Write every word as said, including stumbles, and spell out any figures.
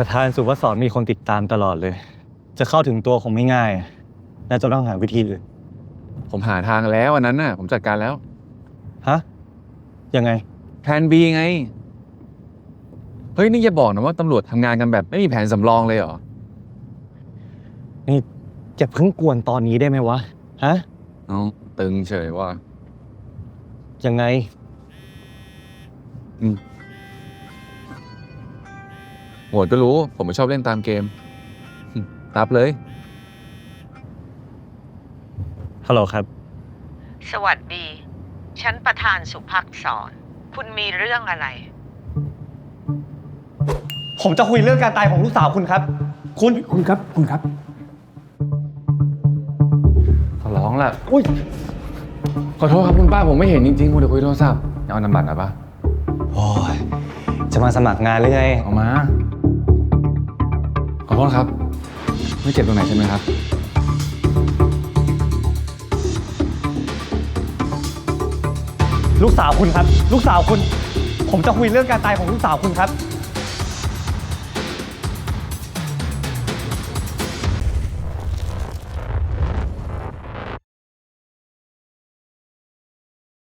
ประธานสุภสรมีคนติดตามตลอดเลย จะเข้าถึงตัวคงไม่ง่ายน่าจะต้องหาวิธีอื่นผมหาทางแล้วอันนั้นน่ะผมจัดการแล้วฮะยังไงแผน B ไงเฮ้ยนี่อย่าบอกนะว่าตำรวจทำงานกันแบบไม่มีแผนสำรองเลยเหรอนี่จะเพิ่งกวนตอนนี้ได้ไหมวะฮะเอาตึงเฉยว่ายังไงอืมโหมดก็รู้ผมไม่ชอบเล่นตามเกมรับเลยฮัลโหลครับสวัสดี ฉันประธานสุภักษร คุณมีเรื่องอะไรผมจะคุยเรื่องการตายของลูกสาวคุณครับ คุณคุณครับคุณครับขอร้องละอุ้ยขอโทษครับคุณป้าผมไม่เห็นจริงๆผมเดี๋ยวคุยโทรศัพท์เอานำบัตรหน่อยปะโอ้ยจะมาสมัครงานหรือไงเอามาขอโทษครับไม่เจ็บตรงไหนใช่ไหมครับลูกสาวคุณครับลูกสาวคุณผมจะคุยเรื่องการตายของลูกสาวคุณครับ